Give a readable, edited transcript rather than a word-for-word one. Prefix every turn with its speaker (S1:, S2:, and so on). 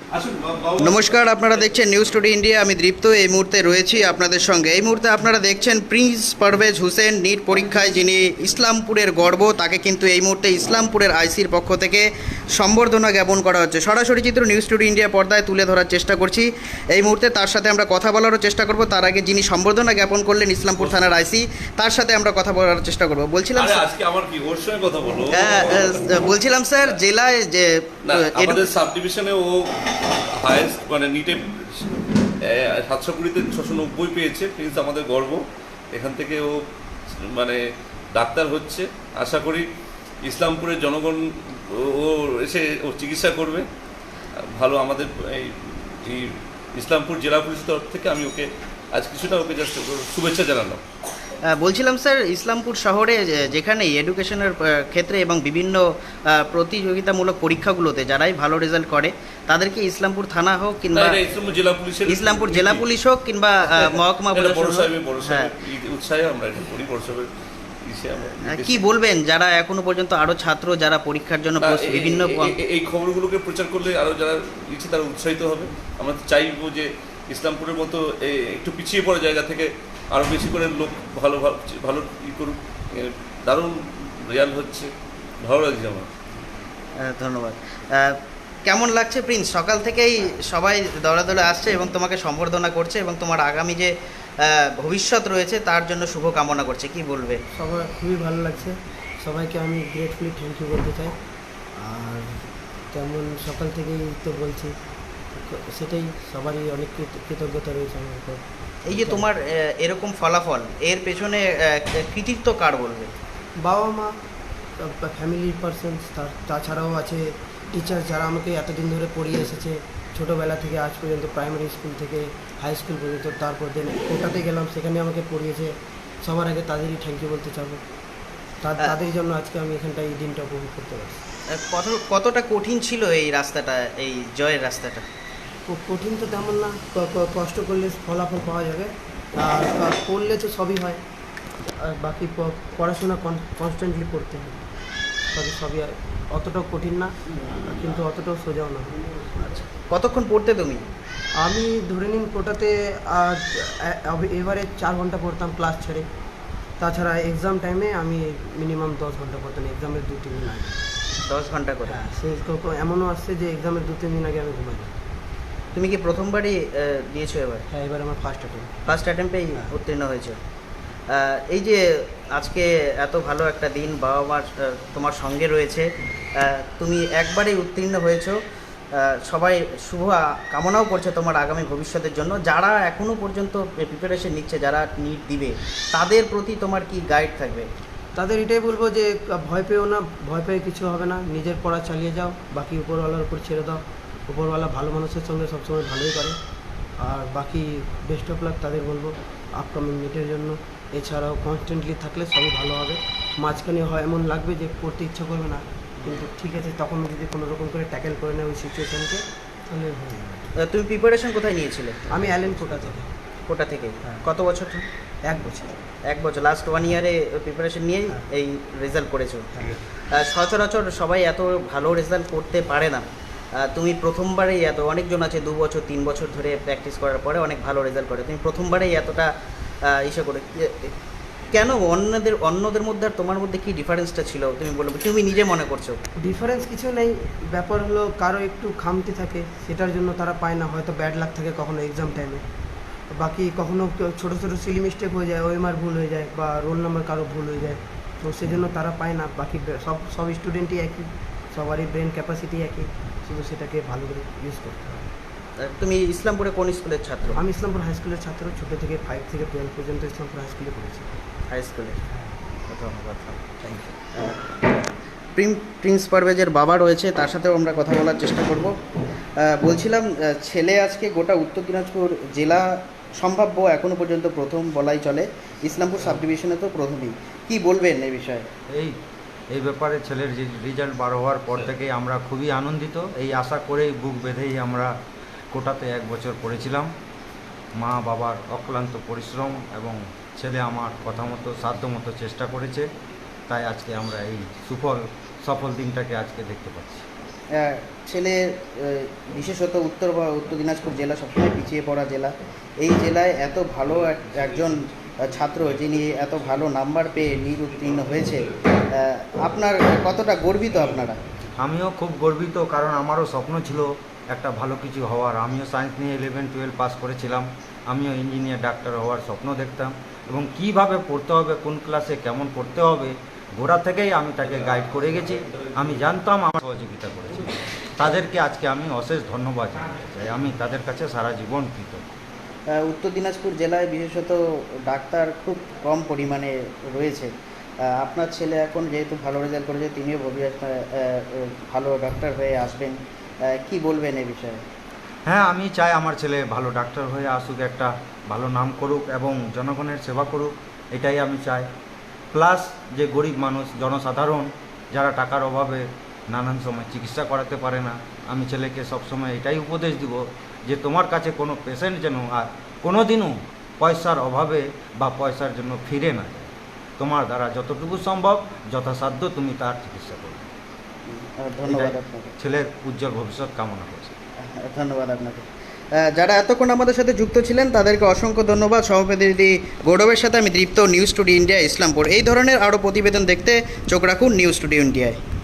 S1: নমস্কার, আপনারা দেখছেন নিউজ টুডে ইন্ডিয়া। আমি দীপ্ত এই মুহূর্তে রয়েছি আপনাদের সঙ্গে। এই মুহূর্তে আপনারা দেখছেন প্রিন্স পারভেজ হোসেন নিট পরীক্ষায় যিনি ইসলামপুরের গর্ব, তাকে কিন্তু এই মুহূর্তে ইসলামপুরের আইসির পক্ষ থেকে সম্বর্ধনা জ্ঞাপন করা হচ্ছে। সরাসরি চিত্র নিউজ টুডে ইন্ডিয়া পর্দায় তুলে ধরার চেষ্টা করছি এই মুহূর্তে। তার সাথে আমরা কথা বলারও চেষ্টা করব। তার আগে যিনি সম্বর্ধনা জ্ঞাপন করলেন ইসলামপুর থানার আইসি, তার সাথে আমরা কথা বলার চেষ্টা করব। বলছিলাম
S2: আজকে আমার কি ওর সঙ্গে কথা বলবো?
S1: বলছিলাম স্যার, জেলায় যে
S2: আমাদের সাব ডিভিশনে ও হায়েস্ট মানে নিটে 720-তে 690 পেয়েছে। প্রিন্স আমাদের গর্ব। এখান থেকে ও মানে ডাক্তার হচ্ছে। আশা করি ইসলামপুরের জনগণ ও এসে ও চিকিৎসা করবে ভালো। আমাদের এই ইসলামপুর জেলা পুলিশের তরফ থেকে আমি ওকে আজ কিছুটা ওকে জাস্ট শুভেচ্ছা জানালাম।
S1: বলছিলাম স্যার, ইসলামপুর শহরে যেখানে এডুকেশনের ক্ষেত্রে এবং বিভিন্ন প্রতিযোগিতামূলক পরীক্ষাগুলোতে যারাই ভালো রেজাল্ট করে তাদেরকে ইসলামপুর থানা হোক কিংবা ইসলামপুর জেলা পুলিশ হোক কিংবা মহকুমা পুলিশ
S2: উৎসাহে আমরা এটা করি।
S1: কি বলবেন যারা এখনো পর্যন্ত আরো ছাত্র যারা পরীক্ষার জন্য বিভিন্ন
S2: এই খবরগুলোকে প্রচার করলে আরো যারা ইচ্ছে তারা উৎসাহিত হবে। আমরা চাইবো যে ইসলামপুরের মতো একটু পিছিয়ে পড়া জায়গা থেকে আরও বেশি করে লোক ভালো ভালো ই করুক। দারুণ রেজাল্ট হচ্ছে, ভালো লাগছে আমার।
S1: ধন্যবাদ। কেমন লাগছে প্রিন্স? সকাল থেকেই সবাই দৌড়াদৌড়ে আসছে এবং তোমাকে সম্বর্ধনা করছে এবং তোমার আগামী যে ভবিষ্যৎ রয়েছে তার জন্য শুভ কামনা করছে, কি বলবে?
S3: সবার খুবই ভালো লাগছে। সবাইকে আমি গ্রেটফুলি থ্যাংক ইউ বলতে চাই। আর তেমন সকাল থেকেই তো বলছি, সেটাই সবারই অনেক কৃতজ্ঞতা রয়েছে আমার উপর।
S1: এই যে তোমার এরকম ফলাফল, এর পেছনে কৃতিত্ব কার বলবে?
S3: বাবা মা, ফ্যামিলির পারসনস, তাছাড়াও আছে টিচার যারা আমাকে এতদিন ধরে পড়িয়ে এসেছে, ছোটোবেলা থেকে আজ পর্যন্ত, প্রাইমারি স্কুল থেকে হাই স্কুল পর্যন্ত। তারপর দিন কোটাতে গেলাম, সেখানে আমাকে পড়িয়েছে। সবার আগে তাদেরই থ্যাংক ইউ বলতে চাবো। তাদের জন্য আজকে আমি এখানটা এই দিনটা উপভোগ করতে পারছি।
S1: কতটা কঠিন ছিল এই রাস্তাটা, এই জয়ের রাস্তাটা?
S3: কঠিন তো তেমন না, কষ্ট করলে ফলাফল পাওয়া যাবে। আর করলে তো সবই হয়। আর বাকি পড়াশোনা কনস্ট্যান্টলি করতে হবে, সবই অতটাও কঠিন না, কিন্তু অতটাও সোজাও না।
S1: আচ্ছা, কতক্ষণ পড়তে তুমি?
S3: আমি ধরে নিন কোটাতে এবারে 4 ঘন্টা পড়তাম ক্লাস ছেড়ে। তাছাড়া এক্সাম টাইমে আমি মিনিমাম 10 ঘন্টা পড়তাম, এক্সামের 2-3 দিন আগে।
S1: 10 ঘন্টা করে?
S3: হ্যাঁ, সে এমনও আসছে যে এক্সামের 2-3 দিন আগে আমি ঘুমাই।
S1: তুমি কি প্রথমবারই দিয়েছো এবার?
S3: হ্যাঁ, এবার আমার ফার্স্ট
S1: অ্যাটেম্পেই উত্তীর্ণ হয়েছে। এই যে আজকে এত ভালো একটা দিন, বাবা মার তোমার সঙ্গে রয়েছে, তুমি একবারেই উত্তীর্ণ হয়েছো। সবাই শুভ কামনাও করছে তোমার আগামী ভবিষ্যতের জন্য। যারা এখনও পর্যন্ত প্রিপারেশন নিচ্ছে, যারা নিট দিবে, তাদের প্রতি তোমার কি গাইড থাকবে?
S3: তাদের এটাই বলবো যে ভয় পেও না, ভয় পেয়ে কিছু হবে না, নিজের পড়া চালিয়ে যাও, বাকি উপরওয়ালার উপর ছেড়ে দাও। উপরওয়ালা ভালো মানুষের সঙ্গে সবসময় ভালোই করে। আর বাকি বেস্ট অফ লাক তাদের বলবো আপকামিং নিটের জন্য। এছাড়াও কনস্ট্যান্টলি থাকলে সবই ভালো হবে। মাঝখানে হয় এমন লাগবে যে পড়তে ইচ্ছা করবে না, কিন্তু ঠিক আছে, তখন যদি কোনো রকম করে ট্যাকেল করে নেয় ওই সিচুয়েশানকে, তাহলে হয়ে যাবে।
S1: তুমি প্রিপারেশন কোথায় নিয়েছিলে?
S3: আমি অ্যালেন কোটা থেকে।
S1: হ্যাঁ। কত বছর?
S3: 1 বছর।
S1: লাস্ট 1 ইয়ারে প্রিপারেশন নিয়েই এই রেজাল্ট করেছো।
S3: হ্যাঁ।
S1: সচরাচর সবাই এত ভালো রেজাল্ট করতে পারে না। তুমি প্রথমবারেই অনেকজন আছে 2 বছর 3 বছর ধরে প্র্যাকটিস করার পরে অনেক ভালো রেজাল্ট করে, তুমি প্রথমবারেই এতটা ইসে করে, কেন? অন্যদের মধ্যে আর তোমার মধ্যে কি ডিফারেন্সটা ছিল তুমি বলবে, তুমি নিজে মনে করছো?
S3: ডিফারেন্স কিছু নেই, ব্যাপার হলো কারো একটু খামতি থাকে, সেটার জন্য তারা পায় না। হয়তো ব্যাড লাক থাকে কখনো এক্সাম টাইমে, বাকি কখনো ছোটো ছোটো সিলি মিস্টেক হয়ে যায়, ওএমআর ভুল হয়ে যায়, বা রোল নাম্বার কারো ভুল হয়ে যায়, তো সেজন্য তারা পায় না। বাকি সব স্টুডেন্টই একই, সবারই ব্রেন ক্যাপাসিটি একই, শুধু সেটাকে ভালো করে ইউজ করতে হবে।
S1: তুমি ইসলামপুরে কোন স্কুলের ছাত্র?
S3: আমি ইসলামপুর হাই স্কুলের ছাত্র, ছোটো থেকে 5 থেকে 12 পর্যন্ত ইসলামপুর হাই স্কুলে পড়েছি।
S1: হাই স্কুলে? ধন্যবাদ, থ্যাংক ইউ। প্রিন্স পারভেজের বাবা রয়েছে, তার সাথেও আমরা কথা বলার চেষ্টা করব। বলছিলাম, ছেলে আজকে গোটা উত্তর দিনাজপুর জেলা সম্ভাব্য এখনও পর্যন্ত প্রথম বলাই চলে, ইসলামপুর সাব ডিভিশনে তো প্রথমেই, কি বলবেন এই বিষয়ে?
S4: এই ব্যাপারে ছেলের রেজাল্ট বার হওয়ার পর থেকেই আমরা খুবই আনন্দিত। এই আশা করেই বুক বেঁধেই আমরা কোটাতে 1 বছর পড়েছিলাম। মা বাবার অক্লান্ত পরিশ্রম এবং ছেলে আমার কথা মতো সাধ্য মতো চেষ্টা করেছে, তাই আজকে আমরা এই সফল দিনটাকে আজকে দেখতে পাচ্ছি।
S1: ছেলে বিশেষত উত্তর দিনাজপুর জেলা সবসময় পিছিয়ে পড়া জেলা। এই জেলায় এত ভালো একজন ছাত্র যিনি এত ভালো নাম্বার পেয়ে নিট উত্তীর্ণ হয়েছে, আপনার কতটা গর্বিত আপনারা?
S4: আমিও খুব গর্বিত, কারণ আমারও স্বপ্ন ছিল একটা ভালো কিছু হওয়ার। আমিও সায়েন্স নিয়ে 11-12 পাস করেছিলাম। আমিও ইঞ্জিনিয়ার, ডাক্তার হওয়ার স্বপ্ন দেখতাম, এবং কিভাবে পড়তে হবে, কোন ক্লাসে কেমন পড়তে হবে, গোড়া থেকেই আমি তাকে গাইড করে গেছি। আমি জানতাম, আমার সহযোগিতা করেছি। তাদেরকে আজকে আমি অশেষ ধন্যবাদ জানাতে চাই। আমি তাদের কাছে সারা জীবন কৃতজ্ঞ।
S1: উত্তর দিনাজপুর জেলায় বিশেষত ডাক্তার খুব কম পরিমাণে রয়েছে। আপনার ছেলে এখন যেহেতু ভালো রেজাল্ট করেছে, তিনিও ভবিষ্যতে ভালো ডাক্তার হয়ে আসবেন, কি বলবেন এ বিষয়ে?
S4: হ্যাঁ, আমি চাই আমার ছেলে ভালো ডাক্তার হয়ে আসুক, একটা ভালো নাম করুক এবং জনগণের সেবা করুক, এটাই আমি চাই। প্লাস যে গরিব মানুষ, জনসাধারণ যারা টাকার অভাবে নানান সময় চিকিৎসা করাতে পারে না, আমি ছেলেকে সবসময় এটাই উপদেশ দিব যে তোমার কাছে কোনো পেশেন্ট যেন আর কোনো দিনও পয়সার অভাবে বা পয়সার জন্য ফিরে না যায়। তোমার দ্বারা যতটুকু সম্ভব যথাসাধ্য তুমি তার চিকিৎসা করবে।
S1: ধন্যবাদ
S4: এটাই
S1: আপনাকে।
S4: ছেলের উজ্জ্বল ভবিষ্যৎ কামনা করছি।
S1: ধন্যবাদ আপনাকে। যারা এতক্ষণ আমাদের সাথে যুক্ত ছিলেন তাদেরকে অসংখ্য ধন্যবাদ। সহপ্রতিনিধি গৌরবের সাথে আমি Dipta, news today India, Islampur. এই ধরনের আরও প্রতিবেদন দেখতে চোখ রাখুন নিউজ টুডে ইন্ডিয়ায়।